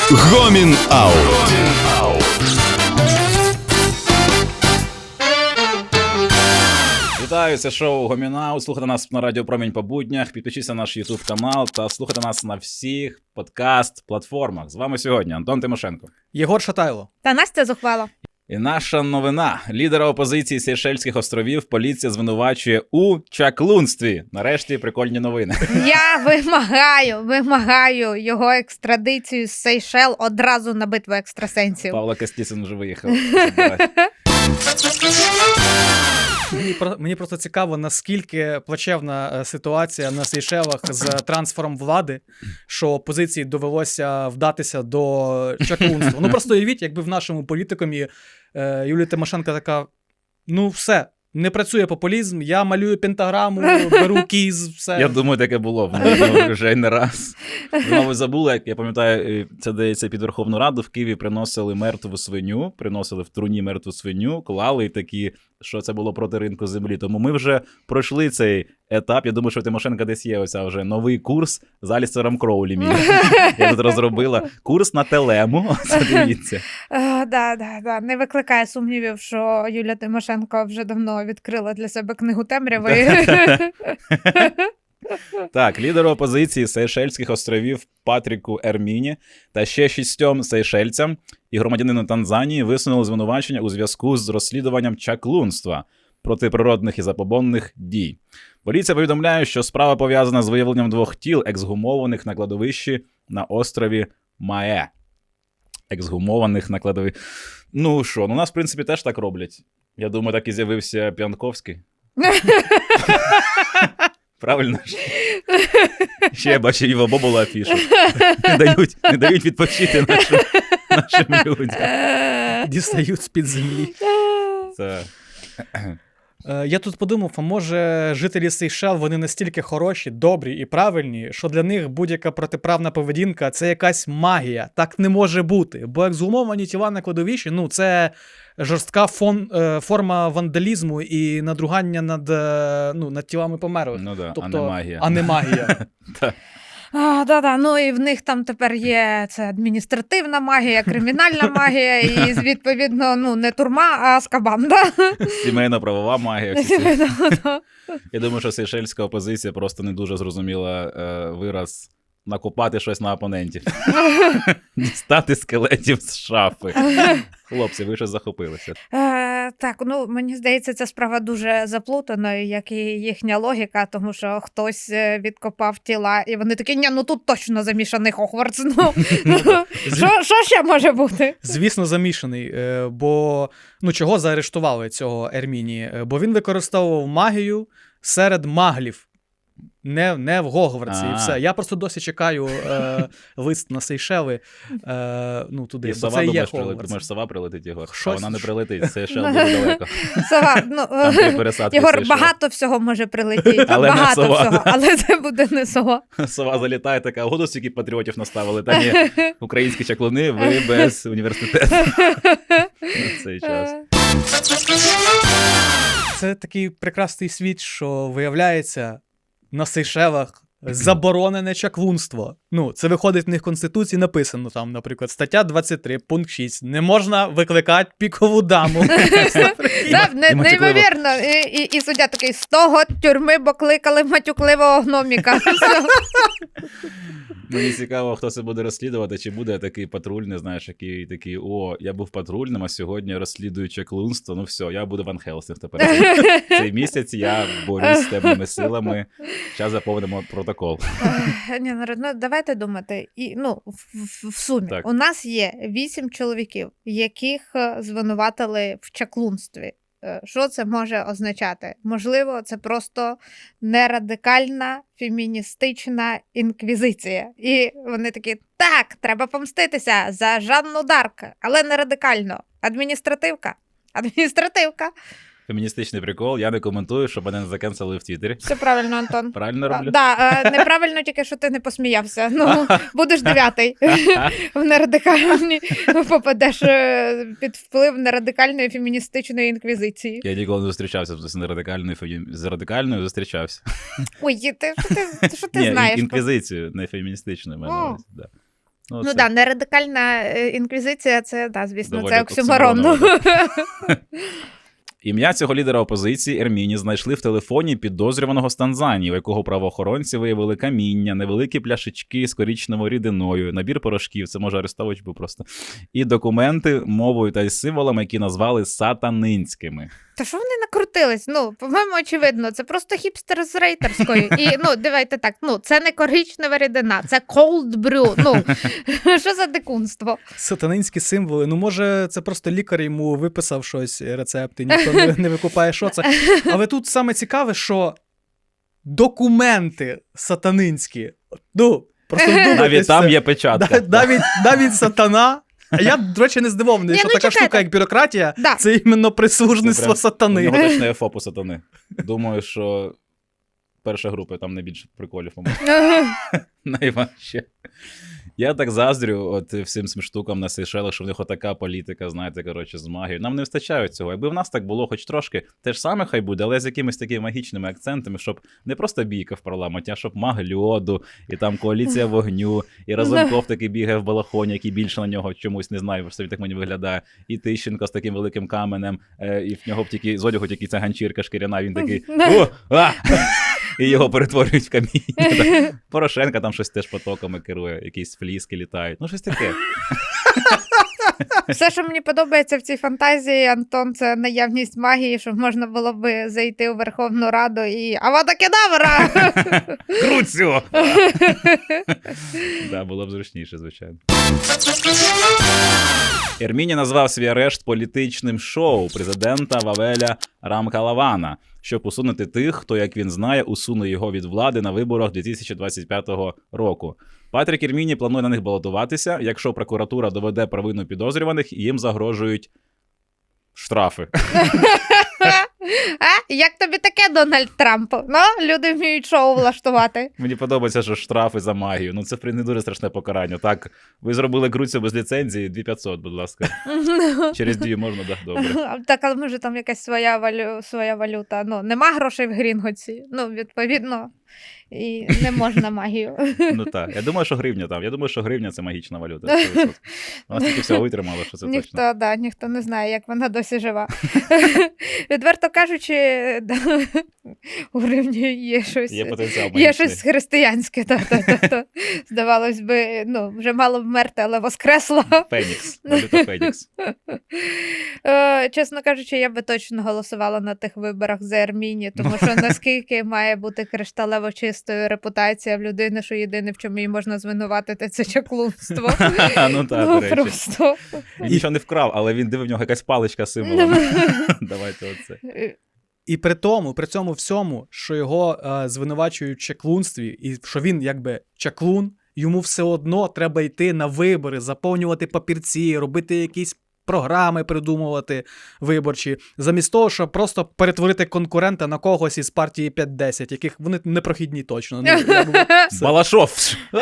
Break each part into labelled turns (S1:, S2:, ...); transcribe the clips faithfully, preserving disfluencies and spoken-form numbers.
S1: Гомін Аут.
S2: Вітаю, це шоу Гомін Аут. Слухайте нас на Радіо Промінь по буднях, підпишіться на наш YouTube канал та слухайте нас на всіх подкаст-платформах. З вами сьогодні Антон Тимошенко.
S3: Єгор Шатайло.
S4: Та Настя Зухвало.
S2: І наша новина. Лідера опозиції Сейшельських островів поліція звинувачує у чаклунстві. Нарешті прикольні новини.
S4: Я вимагаю, вимагаю його екстрадицію з Сейшел одразу на битву екстрасенсів.
S2: Павло Костісин вже виїхав.
S3: Мені, мені просто цікаво, наскільки плачевна ситуація на Сейшелах з трансфером влади, що опозиції довелося вдатися до чаклунства. Ну просто уявіть, якби в нашому політикумі е, Юлія Тимошенко така, ну все, не працює популізм, я малюю пентаграму, беру кіз, все.
S2: Я думаю, таке було в неї вже не раз. Ви, ви забули, як я пам'ятаю, це здається під Верховну Раду в Києві приносили мертву свиню, приносили в труні мертву свиню, клали і такі, що це було проти ринку землі. Тому ми вже пройшли цей етап. Я думаю, що Тимошенко десь є оця вже новий курс з Алістером Кроулі. Мій. Я тут розробила курс на телему. Це дивіться.
S4: Uh, да, да, да. Не викликає сумнівів, що Юлія Тимошенко вже давно відкрила для себе книгу темряви.
S2: Так, лідеру опозиції Сейшельських островів Патріку Ерміні та ще шістьом сейшельцям і громадянину Танзанії висунули звинувачення у зв'язку з розслідуванням чаклунства, протиприродних і забобонних дій. Поліція повідомляє, що справа пов'язана з виявленням двох тіл, ексгумованих на кладовищі на острові Мае. Ексгумованих на кладовищі. Ну що, ну у нас, в принципі, теж так роблять. Я думаю, так і з'явився П'янковський. Правильно ж? Ще я бачу Іва Бобола афішу. Не дають, не дають відпочити нашим, нашим людям.
S3: Дістають з-під землі.
S2: Це...
S3: Я тут подумав, а може жителі Сейшел, вони настільки хороші, добрі і правильні, що для них будь-яка протиправна поведінка – це якась магія. Так не може бути. Бо ексгумовані тіла на кладовищі, ну, це жорстка фон, е, форма вандалізму і надругання над, ну, над тілами померлих.
S2: Ну да,
S3: тобто,
S2: а не магія.
S3: А не магія.
S4: А, да, да. Ну і в них там тепер є це адміністративна магія, кримінальна магія і, відповідно, ну, не турма, а Азкабан, да?
S2: Сімейно-правова магія. Я думаю, що сейшельська опозиція просто не дуже зрозуміла е, вираз накопати щось на опонентів. Дістати скелетів з шафи. Хлопці, ви щось захопилися.
S4: Е, так, ну, мені здається, ця справа дуже заплутаною, як і їхня логіка, тому що хтось відкопав тіла, і вони такі, ні, ну тут точно замішаний Хогвартс. Ну, що, що ще може бути?
S3: Звісно, замішаний, бо, ну, чого заарештували цього Ерміні? Бо він використовував магію серед маглів. Не, не в Гогвартсі і все. Я просто досі чекаю е, лист на Сейшели, е, ну, туди.
S2: І
S3: бо
S2: сова,
S3: це є
S2: думаєш,
S3: Хогвартс.
S2: думаєш, сова прилетить, Єгор? А
S3: Щось-
S2: вона не прилетить, Сейшел дуже далеко.
S4: Сова, ну,
S2: Там три пересадки
S4: Єгор,
S2: Сейшел.
S4: багато всього може прилетіти,
S2: Але не
S4: багато
S2: сова.
S4: всього, але це буде не сова.
S2: Сова залітає така, году стільки патріотів наставили. Та ні, українські чаклуни, ви без університету на цей час.
S3: Це такий прекрасний світ, що виявляється на Сейшелах заборонене чаклунство. Ну, це виходить в них в Конституції, написано там, наприклад, стаття двадцять три, пункт шість. Не можна викликати пікову даму.
S4: Да, не-
S2: і матюкливо.
S4: Неймовірно. І, і, і суддя такий, з того тюрми, бо кликали матюкливого гноміка. Все.
S2: Мені цікаво, хто це буде розслідувати, чи буде такий патрульний, знаєш, який такий, о, я був патрульним, а сьогодні розслідую чаклунство, ну все, я буду Ван Хелсинг тепер. Цей місяць я борюсь з темними силами, зараз заповнимо протокол.
S4: Е, Ні, народ, ну давайте думати. І, ну, в, в, в сумі.
S2: Так.
S4: У нас є вісім чоловіків, яких е, звинуватили в чаклунстві. Е, Що це може означати? Можливо, це просто нерадикальна феміністична інквізиція. І вони такі, так, треба помститися за Жанну Дарк, але не радикально. Адміністративка. Адміністративка.
S2: Феміністичний прикол, я не коментую, щоб мене не закенсели в Твіттері.
S4: Все правильно, Антон.
S2: Правильно
S4: А,
S2: роблю?
S4: да, е, неправильно тільки, що ти не посміявся. Ну, будеш дев'ятий. В нерадикальні попадеш е, під вплив нерадикальної феміністичної інквізиції.
S2: Я ніколи не зустрічався з нерадикальною, фемі- з радикальною зустрічався.
S4: Ой, ти, що ти, що ти
S2: Ні,
S4: знаєш?
S2: інквізицію, не феміністичною, маю на увазі, да.
S4: Ну
S2: це
S4: так, да, не радикальна е, інквізиція, це, да, звісно,
S2: доволі
S4: це оксюморон.
S2: оксюморонно, Ім'я цього лідера опозиції Ерміні знайшли в телефоні підозрюваного з Танзанії, у якого правоохоронці виявили каміння, невеликі пляшечки з коричневою рідиною, набір порошків, це може Арестович був просто, і документи мовою та й символами, які назвали сатанинськими.
S4: Та що вони накрутились? Ну, по-моєму, очевидно, це просто хіпстер з рейтерської. І, ну, давайте так, ну, це не коричнева рідина, це cold brew. Ну, що за дикунство?
S3: Сатанинські символи. Ну, може, це просто лікар йому виписав щось, рецепти, ніхто не, не викупає, що це. Але тут саме цікаве, що документи сатанинські, ну, просто вдумайтесь.
S2: Навіть там
S3: це.
S2: є печатка.
S3: Да, навіть, навіть сатана. А я, до речі, не здивований,
S4: Ні,
S3: що
S4: ну,
S3: така
S4: чекайте.
S3: штука, як бюрократія,
S4: Да.
S3: це іменно прислужництво
S2: Це прям- У
S3: сатани.
S2: нього точно є ФОПу сатани. Думаю, що перша група, там не більше приколів, по-моєму. Найважче. Я так заздрю от всім цим штукам на Сейшелах, що в них отака політика, знаєте, коротше, з магією. Нам не вистачає цього. Якби в нас так було хоч трошки, те ж саме хай буде, але з якимись такими магічними акцентами, щоб не просто бійка в парламенті, а щоб маг льоду, і там коаліція вогню, і Разумков такий бігає в балахоні, який більше на нього чомусь, не знаю, що він так мені виглядає, і Тищенко з таким великим каменем, е, і в нього б тільки, з одягу тільки ця ганчірка шкіряна, він такий «О! А!» І його перетворюють в каміння. Порошенка там щось теж потоками керує, якісь фліски літають. Ну, щось таке.
S4: Все, що мені подобається в цій фантазії, Антон, це наявність магії, щоб можна було би зайти у Верховну Раду і «Авада Кедавра!»
S2: Круцю! Так, було б зручніше, звичайно. Ерміні назвав свій арешт політичним шоу президента Вавеля Рамкалавана, щоб усунути тих, хто, як він знає, усуне його від влади на виборах дві тисячі двадцять п'ятого року. Патрік Ерміні планує на них балотуватися, якщо прокуратура доведе провину підозрюваних, і їм загрожують штрафи.
S4: А? Як тобі таке, Дональд Трамп? Ну, люди вміють шоу влаштувати.
S2: Мені подобається, що штрафи за магію. Ну, це в принципі, не дуже страшне покарання. Так, ви зробили Круцю без ліцензії, дві тисячі п'ятсот, будь ласка. Через дві можна, так, добре.
S4: Так, але може там якась своя, валю... своя валюта. Ну, нема грошей в Грінготсі. Ну, відповідно, і не можна магію.
S2: Ну так, я думаю, що гривня там. Я думаю, що гривня – це магічна валюта. сто відсотків. Вона стільки всього витримала, що це точно.
S4: Ніхто, да, ніхто не знає, як вона досі жива. Відверто кажучи, да, у гривні є щось,
S2: Є потенціал магічний.
S4: є щось християнське. Та, та, та, та. Здавалось би, ну, вже мало вмерти, але воскресло.
S2: Фенікс. Валюта Фенікс.
S4: Е, Чесно кажучи, я би точно голосувала на тих виборах за Ерміні, тому що наскільки має бути кришталево чистою репутація в людини, що єдине, в чому її можна звинуватити, це чаклунство.
S2: Ну так,
S4: Ну,
S2: до речі.
S4: просто.
S2: Він нічого не вкрав, але він дивив, в нього якась паличка з символом. Давайте оце.
S3: І при тому, при цьому всьому, що його е, звинувачують в чаклунстві, і що він якби чаклун, йому все одно треба йти на вибори, заповнювати папірці, робити якісь програми придумувати виборчі, замість того, щоб просто перетворити конкурента на когось із партії п'ять десять, яких вони непрохідні точно. Ну, якби, все.
S2: Балашов!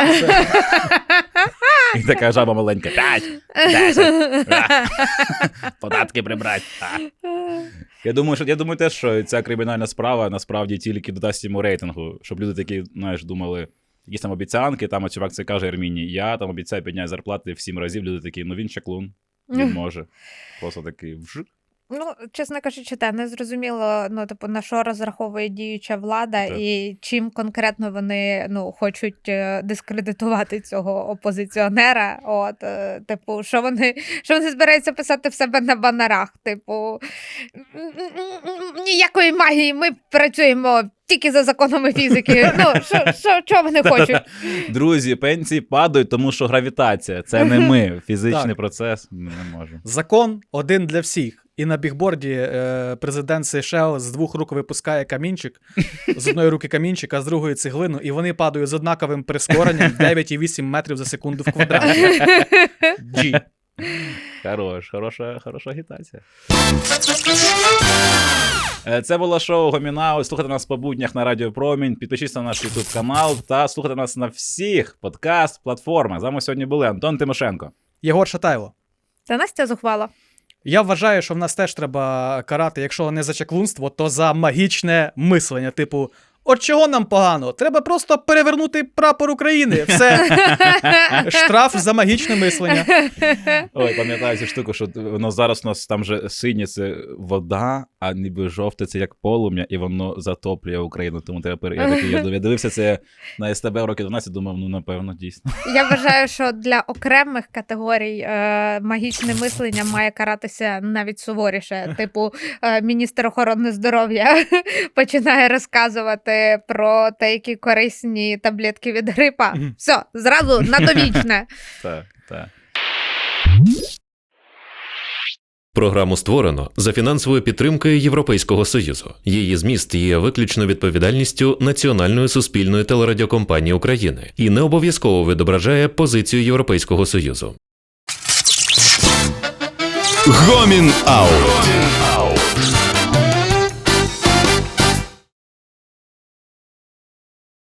S2: І така жаба маленька. П'ять! Десять! Податки прибрати! Я думаю, що я думаю теж, що ця кримінальна справа насправді тільки додасть йому рейтингу, щоб люди такі, знаєш, думали, якісь там обіцянки, там чувак це каже Ерміні, я там обіцяю підняти зарплати в сім разів, люди такі, ну він чаклун, він може. Просто такий вжик.
S4: Ну, чесно кажучи, та не зрозуміло, ну, типу, на що розраховує діюча влада
S2: Так.
S4: і чим конкретно вони, ну, хочуть е, дискредитувати цього опозиціонера. От, е, типу, що вони, що вони збираються писати в себе на банерах? Типу, ніякої магії, ми працюємо тільки за законами фізики. Ну, що, що, що вони хочуть?
S2: Друзі, пенсії падають, тому що гравітація. Це не ми. Фізичний
S3: Так.
S2: процес ми не можемо.
S3: Закон один для всіх. І на бігборді е, президент Сейшел з двох рук випускає камінчик, з одної руки камінчик, а з другої цеглину, і вони падають з однаковим прискоренням дев'ять цілих вісім метрів за секунду в квадраті. G.
S2: Хорош, хороша, хороша агітація. Е, Це було шоу Гомінау. Слухайте нас по буднях на Радіо Промінь. Підпишіться на наш YouTube канал та слухайте нас на всіх подкаст-платформах. З вами сьогодні були Антон Тимошенко.
S3: Єгор Шатайло.
S4: Це Настя зухвала.
S3: Я вважаю, що в нас теж треба карати, якщо не за чаклунство, то за магічне мислення. Типу, От чого нам погано? Треба просто перевернути прапор України. Все. Штраф за магічне мислення.
S2: Ой, пам'ятаю цю штуку, що воно зараз у нас там же синє це вода, а ніби жовте це як полум'я, і воно затоплює Україну. Тому тепер я такий, я дивився це на ес те бе роки дванадцять, думав, ну напевно, дійсно.
S4: Я вважаю, що для окремих категорій е, магічне мислення має каратися навіть суворіше. Типу, е, міністр охорони здоров'я починає розказувати про те, які корисні таблетки від грипа.
S3: Мгм.
S4: Все, зразу на довічне.
S2: Так, так.
S1: Програму створено за фінансовою підтримкою Європейського Союзу. Її зміст є виключно відповідальністю Національної суспільної телерадіокомпанії України і не обов'язково відображає позицію Європейського Союзу.
S2: Гомін Аут.